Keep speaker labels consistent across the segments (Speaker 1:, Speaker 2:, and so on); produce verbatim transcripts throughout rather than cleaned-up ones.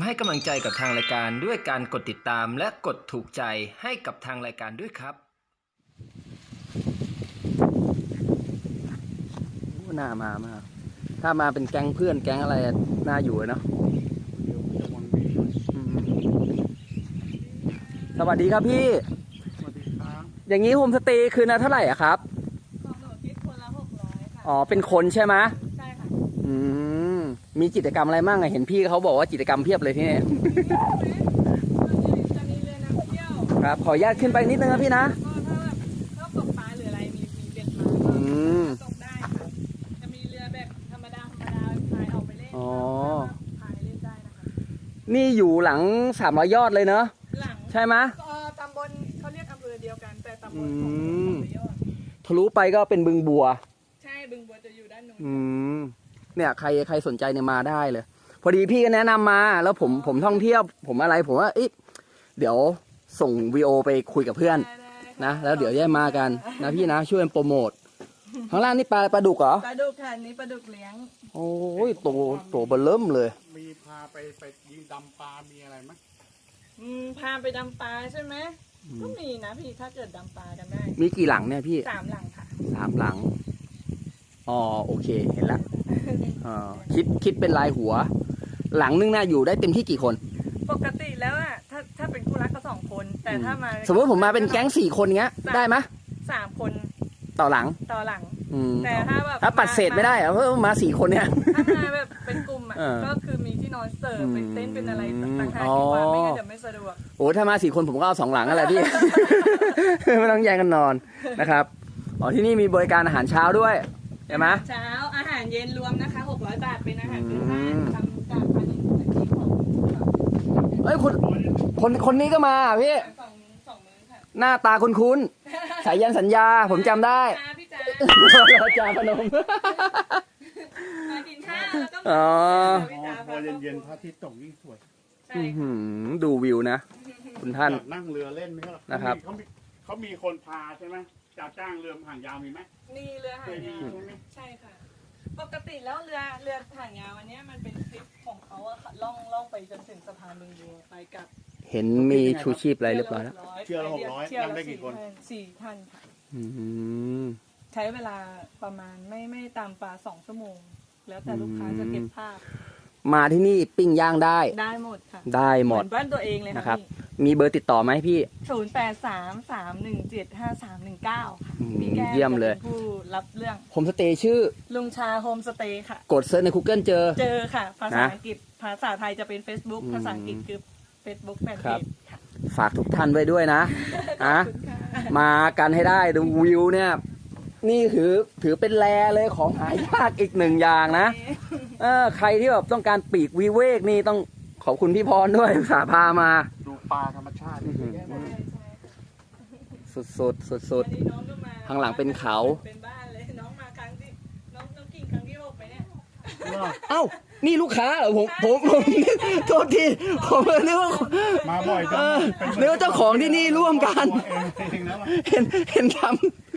Speaker 1: ให้กำลังใจกับทางรายการด้วยการกดติดตามและกดถูกใจให้กับทางรายการด้วยครับน่ามามากถ้ามาเป็นแก๊งเพื่อนแก๊งอะไรน่าอยู่เนาะสวัสดีครับพี่สวัสดีครับอย่างนี้โฮมสเตย์คืนละเท่าไหร่อะครับ
Speaker 2: ของหนูคิดคนละหกร้อยค่ะ
Speaker 1: อ๋อเป็นคนใช่ไหม
Speaker 2: ใช่ค่ะ
Speaker 1: อืมมีกิจกรรมอะไรบ้างอะเห็นพี่เขาบอกว่ากิจกรรมเพียบเลยที่นี่
Speaker 2: จะมีเรือน้ำเที่ยว
Speaker 1: ครับขออนุญาตขึ้นไปนิดนึงนะพี่นะ
Speaker 2: ก็ถ้าแบบชอบตกปลาหรืออะไรมีมีเบ็ดมาก็ตกได้ค่ะจะมีเรือแบบธรรมดาธรรมดาพายออกไปเล่นอ๋อพายเล่นได้นะคะ
Speaker 1: นี่อยู่หลังสามร้อยยอดเลยเนอะ
Speaker 2: หลัง
Speaker 1: ใช่ไหม
Speaker 2: ตำบลเขาเรียกอำเภอเดียวกันแต่ตำบลของยอด
Speaker 1: ทะลุไปก็เป็นบึงบัว
Speaker 2: ใช่บึงบัวจะอยู่ด้านนู้น
Speaker 1: อืมเนี่ยใครใครสนใจเนี่ยมาได้เลยพอดีพี่ก็แนะนำมาแล้วผมผมท่องเที่ยวผมอะไรผมว่าเดี๋ยวส่งวีโอไปคุยกับเพื่อนนะแล้วเดี๋ยวแยกมากันนะพี่นะช่วยโปรโมทข้างล่างนี่ปลาปลาดุกเหรอ
Speaker 2: ปลาดุกค่ะนี้ปลาดุกเลี้ยง
Speaker 1: โอ้ยโตโตเบลเริ่มเลย
Speaker 3: มีพาไปไปยิงดำปลามีอะไรไหม
Speaker 2: อืมพาไปดำปลาใช่ไหมก็มีนะพี่ถ้าเกิดดำปลากันได้
Speaker 1: มีกี่หลังเนี่ยพี่
Speaker 2: สามหลังค่ะ
Speaker 1: สามหลังอ๋อโอเคเห็นแล้วอ๋อคิดคิดเป็นรายหัวหลังนึงน่าอยู่ได้เต็มที่กี่คน
Speaker 2: ปกติแล้วอ่ะถ้าถ้าเป็นคู่รักก็สองคนแต่ถ้ามา
Speaker 1: สมมติผมมาเป็นแก๊งสี่คนเงี้ยได้ไหม
Speaker 2: สามคน
Speaker 1: ต่อหลัง
Speaker 2: ต่อหลังแต่
Speaker 1: ถ้า
Speaker 2: แบบ
Speaker 1: ถ้าปัดเศษไม่ได้อะเพราะมาสี่คนเนี่ย
Speaker 2: ถ้ามาแบบเป็นกลุ่มอ่ะก็คือมีที่นอนเสิร์ฟเป็นเต็นท์เป็นอะไรต่างๆที่ว่าไม่งั้นเดี๋ยวไม่สะดวก
Speaker 1: โอ้ถ้ามาสี่คนผมก็เอาสองหลังอะไรพี่ไม่ต้องแย่งกันนอนนะครับอ๋อที่นี่มีบริการอาหารเช้าด้วยใช่ไหม
Speaker 2: เช้าอาหารเย็นรวมนะคะหกร้อยบาทเป็นอาหารพื้นบ้านทำจากพันธุ์ที่ของ
Speaker 1: เอ้ยคนคนคนนี้ก็มาพี่
Speaker 2: สองสองมื้อค่ะ
Speaker 1: หน้าตาคุ้นๆสายยันสัญญาผมจำได้
Speaker 2: พี่จ๋า
Speaker 1: เราจ่าพนม
Speaker 2: มากินข้าวแล้วก็
Speaker 1: อ๋อ
Speaker 3: พอเย็นๆพระอาทิตย์ตกยิ่งสวย
Speaker 1: ดูวิวนะคุณท่าน
Speaker 3: นั่งเรือเล่นไหมครับ
Speaker 1: นะครับ
Speaker 3: เขามีเขามีคนพาใช่ไหมจะจ้างเรือหางยาวมีไหม
Speaker 2: มีเรือหางยาวใช่ค่ะปกติแล้วเรือเรือหางยาวอันนี้มันเป็นทริปของเขาอะค่ะล่องล่องไปจนถึงสะพานบึงบัวไปกับ
Speaker 1: เห็นมีชูชีพอะไรเรียบร้อยแล้ว
Speaker 3: เชื่อละหกร้อยนั่งได้กี่คน
Speaker 2: สี่ท่านค่ะใช้เวลาประมาณไม่ไม่ตามปลาสองชั่วโมงแล้วแต่ลูกค้าจะเก็บภาพ
Speaker 1: มาที่นี่ปิ้งย่างได้
Speaker 2: ได้หมดค่ะ
Speaker 1: ได้หมด
Speaker 2: บ้านตัวเองเลย
Speaker 1: นะครับมีเบอร์ติดต่อไหมพี่
Speaker 2: ศูนย์แปดสามสามหนึ่งเจ็ดห้าสามหนึ่งเก้าค่ะมีแก้ว
Speaker 1: เยี่ยมเลย
Speaker 2: ผู้รับเรื่อง
Speaker 1: โฮมสเตย์ชื่อ
Speaker 2: ลุงชาโฮมสเตย์ค่ะ
Speaker 1: กดเซิร์ชใน Google เจอ
Speaker 2: เจอค่ะภาษาอังกฤษภาษาไทยจะเป็น Facebook ภาษาอังกฤษคือ Facebook แฟนเพจค่ะ
Speaker 1: ฝากทุกท่านไว้ด้วยนะนะมากันให้ได้ดูวิวเนี่ยนี่ถือถือเป็นแลเลยของหายากอีกหนึ่งอย่างนะเออใครที่แบบต้องการปีกวิเวกนี่ต้องขอบคุณพี่พรด้วยสาพามา
Speaker 3: ดูปลาธรรมชาติ
Speaker 1: สุดสุดสุดสุดข้างหลังเป็นเขา
Speaker 2: เป็นบ้านเลยน้องมาครั้งที่น้องน้องกิ่งครั้งที่หกไปเนี่ย
Speaker 1: เอ้านี่ลูกค้าเหรอผมผมผมโทษทีผมนึกว่า
Speaker 3: มาบ่อยจัง
Speaker 1: นึกว่าเจ้าของที่นี่ร่วมกันเห็นเห็นทำ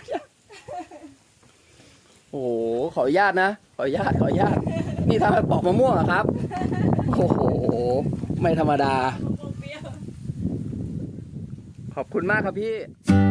Speaker 1: โอ้โหขออนุญาตนะขออนุญาตขออนุญาตนี่ทำให้ปอกมะม่วงเหรอครับโอ้โหไม่ธรรมดาขอบคุณมากครับพี่